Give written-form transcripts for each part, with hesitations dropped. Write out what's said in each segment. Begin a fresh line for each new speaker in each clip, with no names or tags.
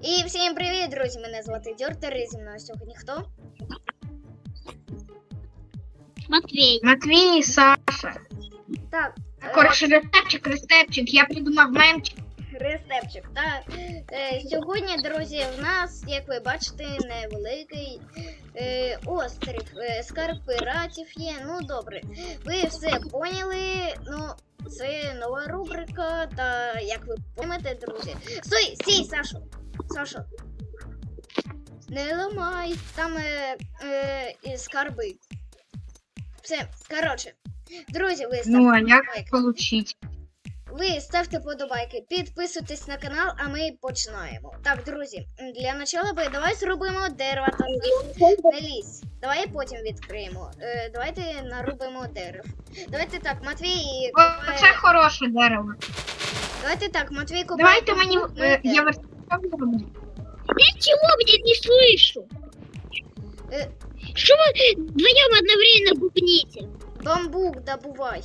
І всім привіт, друзі! Мене звати Дьортер, і зі мною сьогодні хто?
Матвій.
Матвій і Саша.
Так.
Коротше, рестепчик, я придумав мемчик.
Рестепчик, так. Сьогодні, друзі, в нас, як ви бачите, невеликий острів. Скарб пиратів є. Ну, добре. Ви все поняли. Ну, це нова рубрика, та як ви поймете, друзі. Стій, Сашо! Сашо! Не ламай, там скарби. Все, коротше. Друзі, ви ставте
Ну, а як
подобайки.
получить?
Ви ставте подобайки, підписуйтесь на канал, а ми починаємо. Так, друзі, для начала давай зробимо дерева та не лізь. Давай потім відкриємо. Давайте нарубимо дерев. Давайте так, Матвій
О, це хороше дерево.
Давайте так, Матвій купає.
Давайте мені... я верстак зроблю.
Я чего, блядь, не слышу? Что вы вдвоем одновременно бубните?
Бамбук добувай.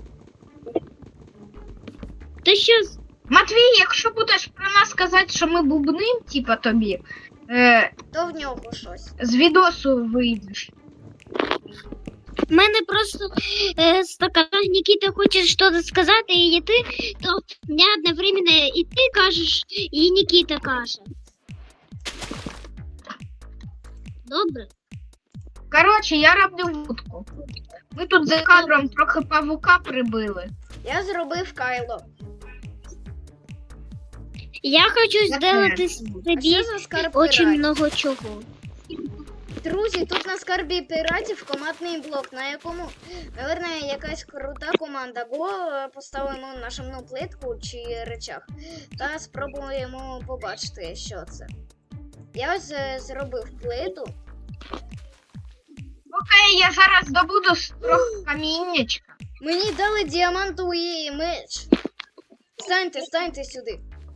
Да сейчас...
Матвій, якщо будеш про нас казати, що ми бубним, типа тобі,
То в нього щось.
з відосу вийдеш.
У мене просто стакан. Никита хочет что-то сказать, и ты, то мне одновременно и ты кажешь, и Никита каже. Добре?
Коротше, я роблю вудку. Ми тут за кадром трохи павука прибили.
Я зробив кайло.
Я хочу сделать
А
себе
що за скарб
очень
пиратів?
много чего.
Друзі, тут на скарбі пиратів командний блок, на якому, наверное, якась крута команда. Бо поставимо нажимну плитку чи речах та спробуємо побачити, що це. Я ось зробив плиту.
Окей, я зараз добуду трохи каміннячка.
Мені дали діамантовий меч. Станьте сюди.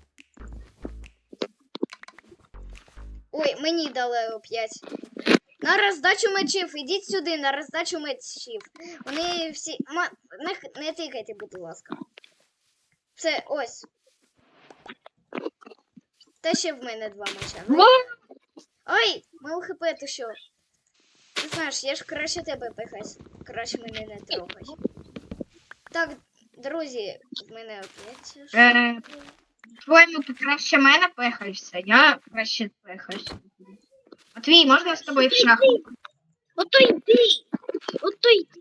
Ой, мені дали 5. На роздачу мечів. Ідіть сюди, на роздачу мечів. Вони всі... Не тикайте, будь ласка. Все, ось. Та ще в мене 2 меча. Ну, ой, мало хп, ти що? Ти знаєш, я ж краще тебе пихаюсь. Краще мене не трогай. Так, друзі, в мене опять...
Твоєму ти краще мене пехаєшся, я краще пехаюся. Матвій, можна з тобою в шахту?
Ото йди! Ото йди!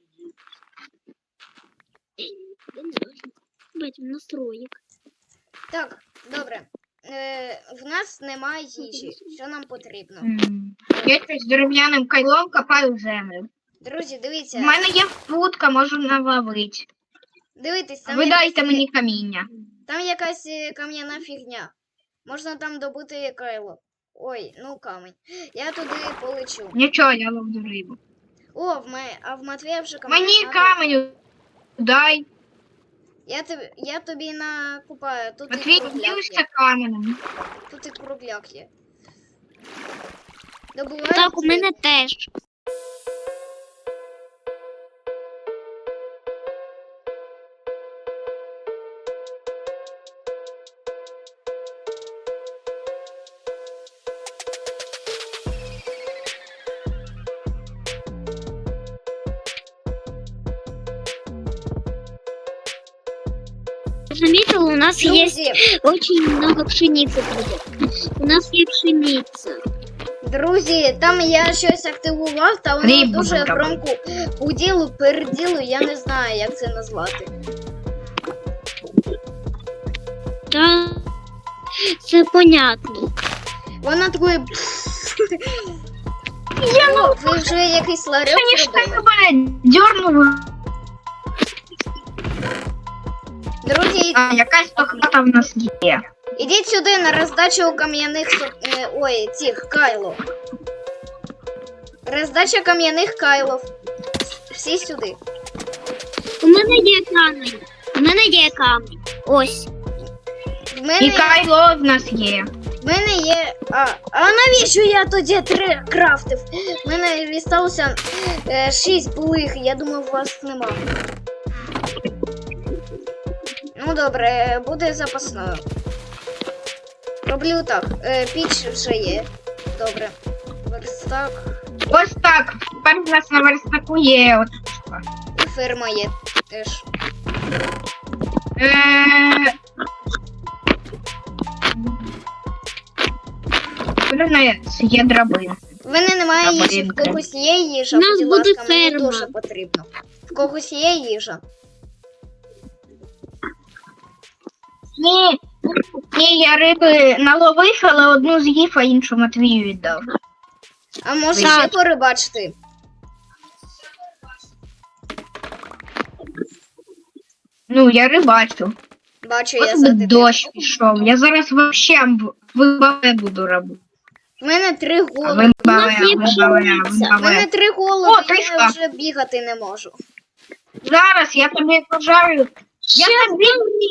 Я не знаю. Бать, настроїк.
Так, добре. В нас немає їжі. Що нам потрібно?
Я щось дерев'яним кайлом копаю землю.
Друзі,
В
дивіться.
мене є вудка, можу наловити.
Дивитесь, там
Ви дайте
якась,
мені каміння.
там якась кам'яна фігня. Можна там добути кайло. Ой, ну камінь. Я туди полечу.
Нічого, я ловлю рибу.
О, а в Матвія вже камінь.
Мені каменю дай.
Я тобі накупаю. Тут і
Матвій,
кругляк
поділишся
є.
каменем.
Тут і кругляк є. Добувай.
Так, у мене теж. Заметил, у нас есть
Друзі,
очень много пшеницы будет. У нас есть пшеница.
друзі, там я щось активував, та воно
Рибу
дуже
зробив.
громко уділу, переділу, я не знаю, як це назвати.
Да, все понятно.
Вона такою... О, ви вже якийсь ларьок
Конечно,
зробили.
мене дьорнуло.
Друзі,
А якась то хата в нас є.
ідіть сюди на роздачу кам'яних... Ой, цих, кайло. Роздача кам'яних кайлов. Всі сюди.
У мене є камінь. У мене є камінь. Ось.
В
І
мене,
кайло в нас є.
в мене є... А навіщо я тоді 3 крафтив? В мене відсталося 6 булих, я думав, у вас нема. Ну добре, буде запасною. Роблю так. Піч вже є. Добре. Верстак.
Ось так. Тепер в нас на верстаку є от штука.
І ферма є теж.
Є драбина.
В мене немає їжі, в
Драбинка.
когось є їжа,
У нас
будь
буде
ласка, мені
ферма.
дуже потрібно. В когось є їжа.
Ні, я риби наловив, але одну з'їв, а іншу Матвію віддав.
А може
Так.
ще порибачити?
Ну, я рибачу.
Бачу, я
Ось
за
би дощ пішов. Я зараз вообще вибаве буду робити.
В мене 3 голови.
Вибаве.
В мене 3
О,
голови, я
трішка.
вже бігати не можу.
Зараз я тобі пожарю. Я тобі...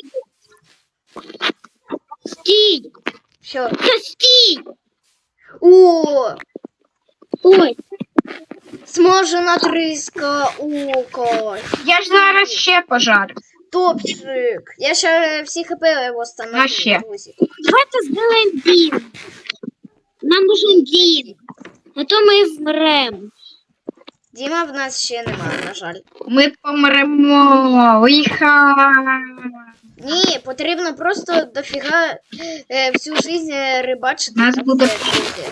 Стій!
Що?
Та стій!
О,
Ой,
смажена триска, око.
Я ж зараз ще пожарю.
Топчик. Я ще всі хп восстановлю,
На ще.
друзі.
давайте сделаем дім. Нам нужен дім. А то ми вмрем.
Діма в нас ще немає, на жаль.
Ми помремо. Лиха.
Ні, потрібно просто дофіга всю жизнь рибачити.
Нас
та
буде-
все, друзі.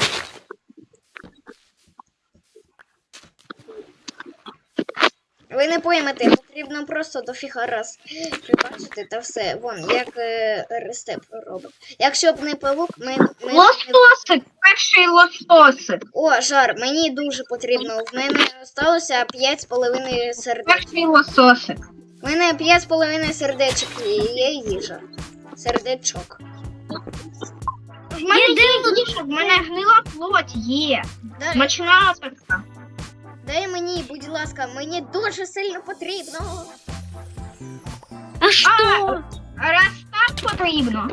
Ви не поймете, потрібно просто дофіга раз рибачити та все. Вон, як рестеп робить. Якщо б не павук, ми
Лососик, перший лососик.
О, жар, мені дуже потрібно. В мене залишилося 5,5 сердечок.
Перший лососик.
У мене 5,5 сердечок і є їжа. Сердечок.
В мене є їжа, в мене гнила плоть є.
Дай,
Смачна така.
дай мені, будь ласка, мені дуже сильно потрібно.
А що?
Раз так потрібно.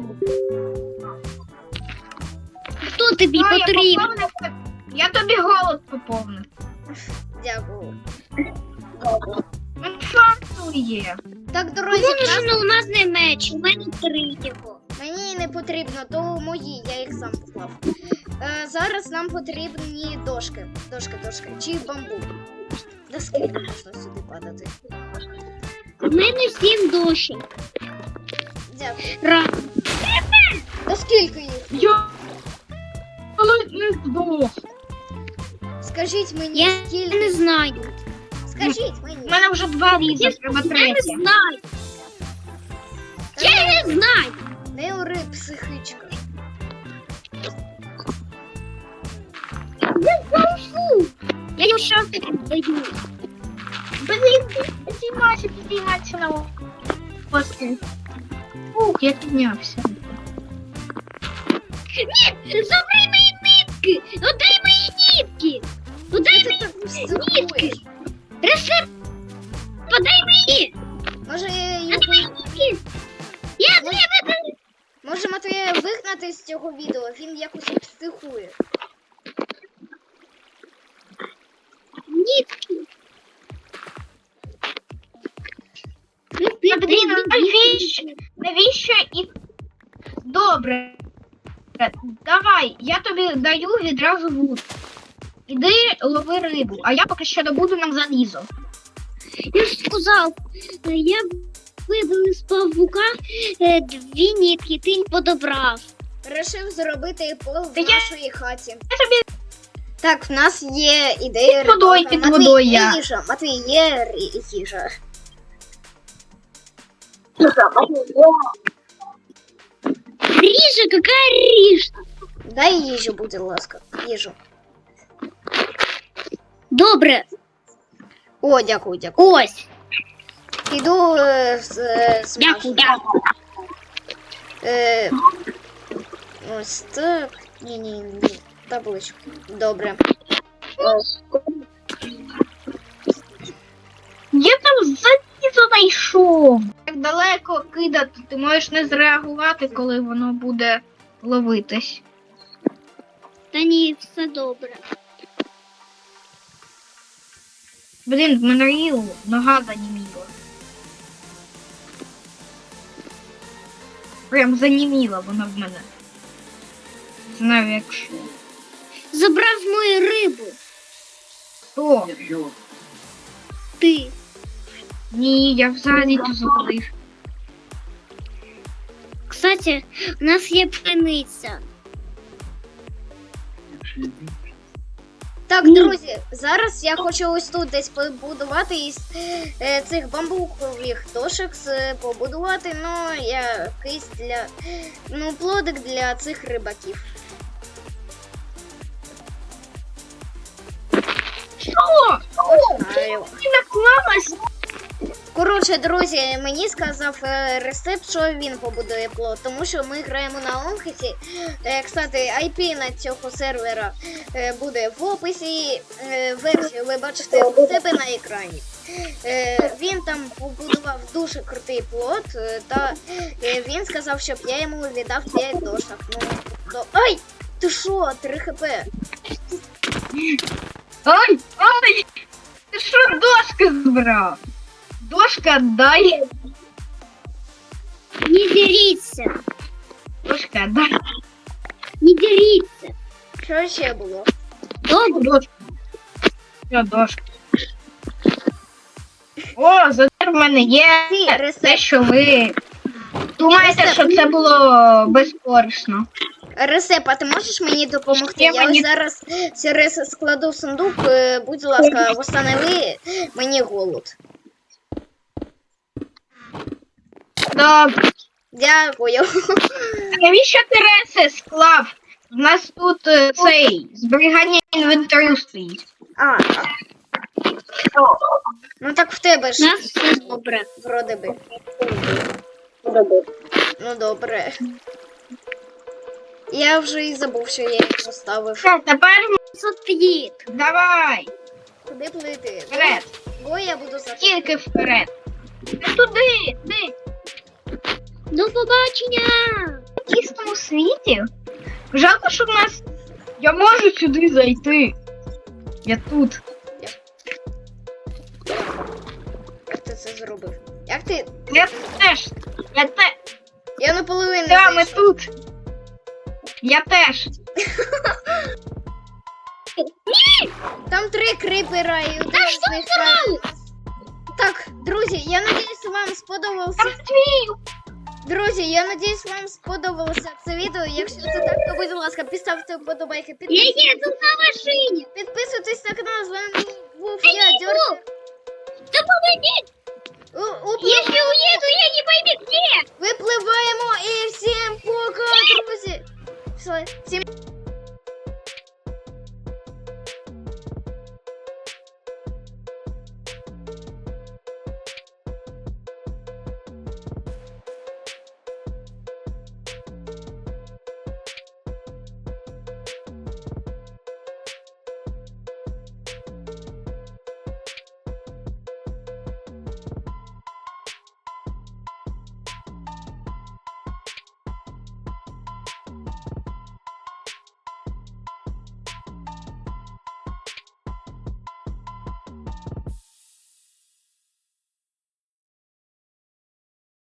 Хто тобі
то
потрібен?
Я тобі голод поповнив.
Дякую.
Ну що є?
Так, друзі,
Кому
в нас-
нужен алмазний меч? У мене 3 його.
мені не потрібно, то мої, я їх сам поклав. Зараз нам потрібні дошки. Дошки. Чи бамбук. Да скільки можна сюди падати?
У мене 7 дошок.
Дякую.
Раз.
Да скільки їх?
Я ледь не здох.
Скажіть мені,
Я
скільки?
не знаю.
Скажіть
У
мені.
мене вже 2 різа, треба
Я не
3.
знаю. Я не знаю.
Не ори, психичка.
Я його ще даю.
Блін, підіймайся на острів. Ух, я піднявся.
Ні, забери мої нитки. Отдай мої нитки. Отдай мені
Так психуєш.
рецепт. Подай мені.
Може,
Отдай нитки. Я тебе
може Матвія вигнати з цього відео, він якось психує.
нитки.
Блін, навіщо і... Добре. Давай, я тобі даю відразу вуд. Іди лови рибу, а я поки що добуду нам залізо.
Я ж сказав, я вибив з павука 2 нитки, ти їх подобрав.
Решив зробити пол в
Та я-
нашій хаті.
Я тобі
Так, в нас є ідея.
Під водою,
рибалка.
під
Матвій,
водою
є
я.
їжа. Матвій, є їжа.
Ріжа, яка ріжа?
Дай їжу, будь ласка. Їжу.
Добре,
О, дякую.
ось.
Іду
Дякую.
Ось так. Ні. Табличку. Добре.
Я там залізо знайшов. Так далеко кидати, ти можеш не зреагувати, коли воно буде ловитись.
Та ні, все добре.
Блін, в мене ріл, нога заніміла. Прям заніміла вона в мене. Знаю, якщо.
Забрав мою рибу.
Хто?
Ти.
Ні, я взагалі то забув.
Кстати, у нас є пшениця.
Так, друзі, зараз я хочу ось тут десь побудувати із цих бамбукових дошок, побудувати, ну, якийсь для, ну, плодик для цих рибаків.
Що?
Знаю.
Ти наклалась?
Коротше, друзі, мені сказав рецепт, що він побудує плод, тому що ми граємо на Онхесі. Кстати, IP на цього сервера буде в описі, версію ви бачите у себе на екрані. Він там побудував дуже крутий плод, та він сказав, щоб я йому віддав 5 дошок. Ну, ай! Ти що, 3 хп?
Ой, ой! Ти що дошки збрав? Дошка дай.
Не деріться.
Дошка дай.
Не деріться.
Що ще було?
Добре.
Дошка. Що дошка? О, зате в мене є
Ці
те,
рецепт.
що ви думаєте, що це було безкорисно.
Ресеп, а ти можеш мені допомогти?
Я
Я
мені-
ось зараз ці риси складу в сундук. Будь ласка, восстанови мені голод.
Добре.
Дякую.
Навіщо ти реси склав? У нас тут цей зберігання інвентарю стоїть.
А. Ну так в тебе
У
ж
нас все добре.
вроде би. Ну добре. Я вже і забув, що я їх поставив.
Все, тепер
Сотвіт.
давай.
Куди плити?
Вперед.
Бо я буду за
Тільки вперед. Не туди, ти.
До побачення.
В тісному світі. Жалко, що в нас. Я можу сюди зайти. Я тут.
Як ти це зробив? Як ти?
Я теж.
Я наполовину
Да, ми
зайшов.
тут. Я теж.
Там 3 крипера і один з них. Так, друзі, я надіюсь, вам сподобався.
Там твій.
Друзі, я надіюсь, вам сподобалося це відео. Якщо це так, то будь ласка, підставте вподобайки,
Я їду на машині.
підписуйтесь на канал. З вами був
Я
я,
не
Дьорк.
Да помогите. Если уеду, я не пойму где.
Випливаємо і всім пока, друзі. Все, всім